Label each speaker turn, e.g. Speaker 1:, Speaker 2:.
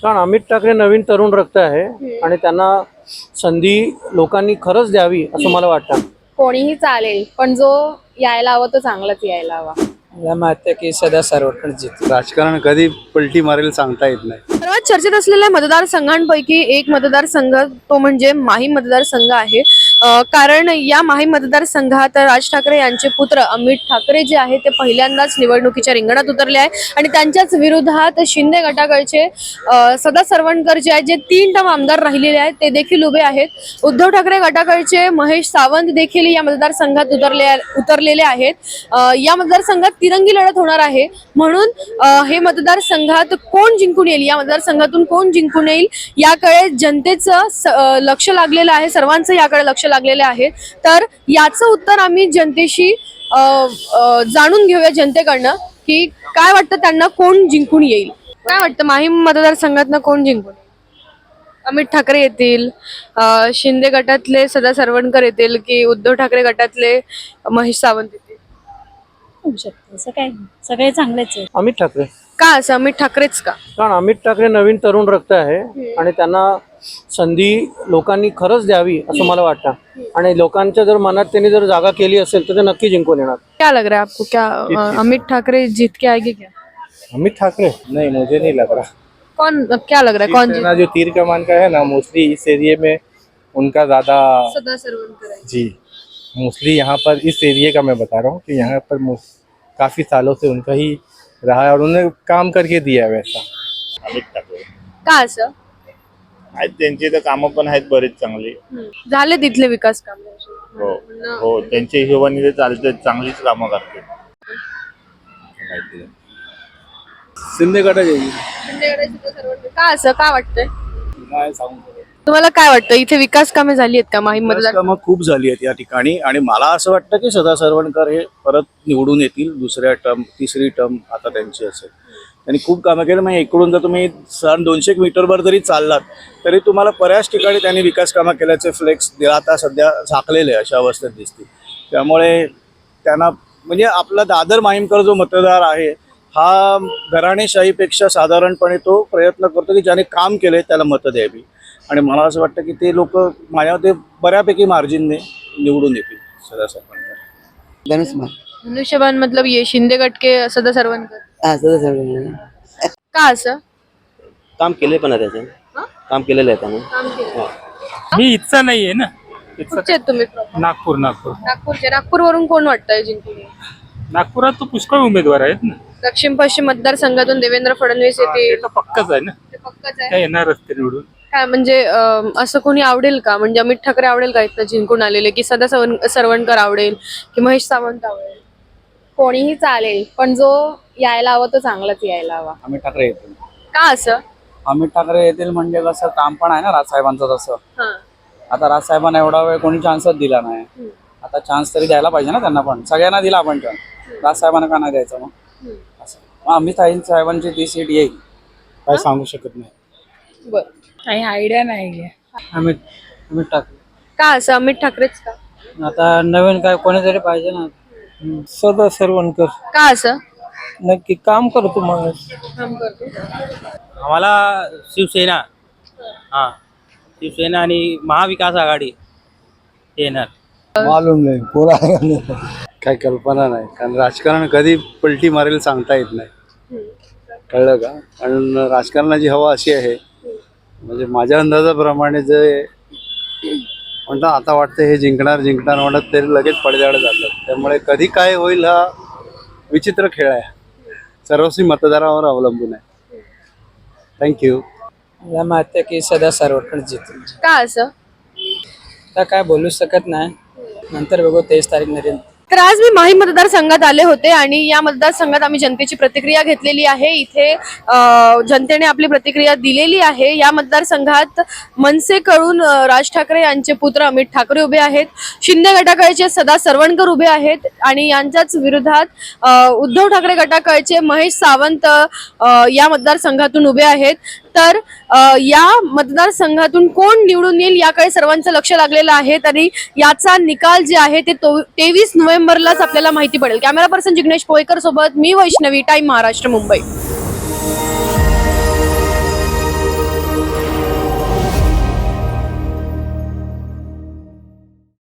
Speaker 1: कारण अमित ठाकरे नवीन तरुण रक्त आहे आणि त्यांना संधी लोकांनी खरंच द्यावी असं मला वाटतं.
Speaker 2: कोणीही चालेल, पण जो यायला हवा तो चांगलाच यायला हवा.
Speaker 3: मला माहिती आहे की सदा सर्वत्र जित
Speaker 4: राजकारण कधी पलटी मारेल सांगता येत नाही.
Speaker 2: सर्वात चर्चेत असलेल्या मतदारसंघांपैकी एक मतदारसंघ तो म्हणजे माहीम मतदारसंघ आहे. कारण या माहीम मतदारसंघात राज ठाकरे यांचे पुत्र अमित ठाकरे जे आहे ते पहिल्यांदाच निवडणुकीच्या रिंगणात उतरले आहे आणि त्यांच्याच विरोधात शिंदे गटाकडचे सदा सरवणकर जे आहेत, जे 3 टर्म आमदार राहिलेले आहेत ते देखील उभे आहेत. उद्धव ठाकरे गटाकडचे महेश सावंत देखील या मतदारसंघात उतरलेले आहेत. या मतदारसंघात तिरंगी लढत होणार आहे. म्हणून हे मतदारसंघात कोण जिंकून येईल, या मतदारसंघातून कोण जिंकून येईल याकडे जनतेचं लक्ष लागलेलं आहे, सर्वांचं याकडे लक्ष लागलेले आहे. तर याचं उत्तर आम्ही जनतेशी जाणून घेऊया जनतेकडनं की काय वाटतं त्यांना कोण जिंकून येईल. काय वाटतं माहीम मतदारसंघातनं कोण जिंकून येईल? अमित ठाकरे येतील, शिंदे गटातले सदा सरवणकर येतील की उद्धव ठाकरे गटातले महेश सावंत येतील?
Speaker 5: होऊ शकतं असं काय, सगळे चांगलेच आहे.
Speaker 1: अमित ठाकरे.
Speaker 2: का असं अमित ठाकरेच का?
Speaker 1: कारण अमित ठाकरे नवीन तरुण रक्त आहे आणि त्यांना संधी लोकांनी खरंच द्यावी असं मला वाटतं. आणि लोकांच्या जर मनात त्यांनी जर जागा केली असेल तर ते नक्की जिंकून येणार.
Speaker 2: क्या लग रहा है आपको, क्या अमित ठाकरे जीत के आएंगे क्या?
Speaker 4: अमित ठाकरे नहीं, मुझे नहीं लग रहा.
Speaker 2: कौन, क्या लग रहा है कौन जीत?
Speaker 4: जो तीर कमान का है ना, मोस्टली इस एरिया में उनका ज्यादा
Speaker 2: सदा सरवणकर है
Speaker 4: जी. मोस्टली यहाँ पर इस एरिया का मैं बता रहा हूँ कि यहाँ पर काफी सालों से उनका ही रहा है और उन्होंने काम करके दिया है वैसा.
Speaker 6: अमित ठाकरे
Speaker 2: का असं?
Speaker 6: आहेत, त्यांची तर कामं पण आहेत बरेच चांगली.
Speaker 2: झाले तिथले विकास काम?
Speaker 6: हो हो, त्यांच्या हिशोबाने ते चालते, चांगलीच कामं करते.
Speaker 4: शिंदे गटाचे
Speaker 2: का असं, का वाटतंय
Speaker 4: नाही सांगू.
Speaker 2: तुम्हाला? काय वाटतं इथे विकास कामे झाली आहेत का माहीम मतदार?
Speaker 7: कामं खूप झाली आहेत या ठिकाणी आणि मला असं वाटतं की सदा सरवणकर हे परत निवडून येतील. दुसऱ्या टर्म, तिसरी टर्म आता त्यांची असेल. त्यांनी खूप कामं केलं. म्हणजे इकडून जर तुम्ही 200 मीटरवर जरी चाललात तरी तुम्हाला बऱ्याच ठिकाणी त्यांनी विकास कामं केल्याचे फ्लेक्स आता सध्या झाकलेले अशा अवस्थेत दिसतील. त्यामुळे त्यांना म्हणजे आपला दादर माहीमकर जो मतदार आहे हा घराणेशाहीपेक्षा साधारणपणे तो प्रयत्न करतो की ज्याने काम केले त्याला मतं द्यावी. आणि मला असं वाटतं की ते लोक माझ्या ते बऱ्यापैकी मार्जिनने निवडून येतील. सदा सरवणकर
Speaker 2: धनुष्यबान मतलब ये शिंदे गट के सदा सरवणकर. का असं?
Speaker 8: काम केले पण आहे त्याचे, काम केलेलं आहे त्याने.
Speaker 2: काम केलं.
Speaker 3: मी इच्छा नाहीये ना.
Speaker 2: कुठचे आहेत तुम्ही?
Speaker 3: नागपूर.
Speaker 2: नागपूरचे. नागपूरवरून कोण वाटतंय जिंकून येईल?
Speaker 3: नागपुरात तो पुष्कळ उमेदवार आहेत ना.
Speaker 2: दक्षिण पश्चिम मतदारसंघातून देवेंद्र फडणवीस येतील.
Speaker 3: ते तर पक्कच आहे ना,
Speaker 2: ते पक्कच आहे.
Speaker 3: काय येणारच ते निवडून.
Speaker 2: काय म्हणजे असं कोणी आवडेल का? म्हणजे अमित ठाकरे आवडेल का इथं जिंकून आलेले, की सदा सरवणकर आवडेल की महेश सावंत आवडेल? कोणीही चालेल, पण जो यायला हवा तो चांगलाच यायला हवा.
Speaker 3: अमित ठाकरे येतील.
Speaker 2: का असं?
Speaker 3: अमित ठाकरे येतील म्हणजे कसं काम पण आहे ना राजसाहेबांचं. तसं
Speaker 2: हा.
Speaker 3: आता राजसाहेबांना एवढा वेळ कोणी चान्सच दिला नाही. आता चान्स तरी द्यायला पाहिजे ना त्यांना पण. सगळ्यांना दिला आपण चान्स, राजसाहेबांना का नाही द्यायचं मग? असं मग अमित साहेबांची ती सीट येईल.
Speaker 4: काय सांगू शकत नाही.
Speaker 2: बर.
Speaker 5: काही आयडिया नाही.
Speaker 3: अमित ठाकरे.
Speaker 2: का असं अमित ठाकरेच का?
Speaker 3: आता नवीन काय कोणीतरी पाहिजे ना.
Speaker 4: सदा सरवणकर
Speaker 2: का असं?
Speaker 4: नक्की काम करतो माणूस.
Speaker 2: काम करतो.
Speaker 8: आम्हाला शिवसेना, हा शिवसेना आणि महाविकास आघाडी येणार.
Speaker 4: मालूम नाही कोणा काय कल्पना नाही. कारण राजकारण कधी पलटी मारेल सांगता येत नाही. कळलं का? कारण राजकारणाची हवा अशी आहे, म्हणजे माझ्या अंदाजाप्रमाणे जे म्हणतात आता वाटतं हे जिंकणार म्हणत ते लगेच पडद्याकडे जातात. त्यामुळे कधी काय होईल हा विचित्र खेळ आहे. सर्वस्वी मतदारावर अवलंबून आहे. थँक्यू.
Speaker 3: मला माहिती आहे की सदा सर्वत्र जित.
Speaker 2: का असं?
Speaker 3: आता काय बोलू शकत नाही, नंतर बघू 23 तारीख नरेंद्र.
Speaker 2: तर आज मी माहीम मतदारसंघात आले होते आणि या मतदारसंघात आम्ही जनतेची प्रतिक्रिया घेतलेली आहे. इथे जनतेने आपली प्रतिक्रिया दिलेली आहे. या मतदारसंघात मनसेकडून राज ठाकरे यांचे पुत्र अमित ठाकरे उभे आहेत. शिंदे गटाकडचे सदा सरवणकर उभे आहेत आणि यांच्याच विरोधात उद्धव ठाकरे गटाकडचे महेश सावंत या मतदारसंघातून उभे आहेत. तर या मतदारसंघातून कोण निवडून येईल याकडे सर्वांचं लक्ष लागलेलं आहे. तरी याचा निकाल जे आहे ते 23 नोव्हेंबरलाच आपल्याला माहिती पडेल. कॅमेरा पर्सन जिग्नेश पोयकर सोबत मी वैष्णवी, टाइम महाराष्ट्र, मुंबई.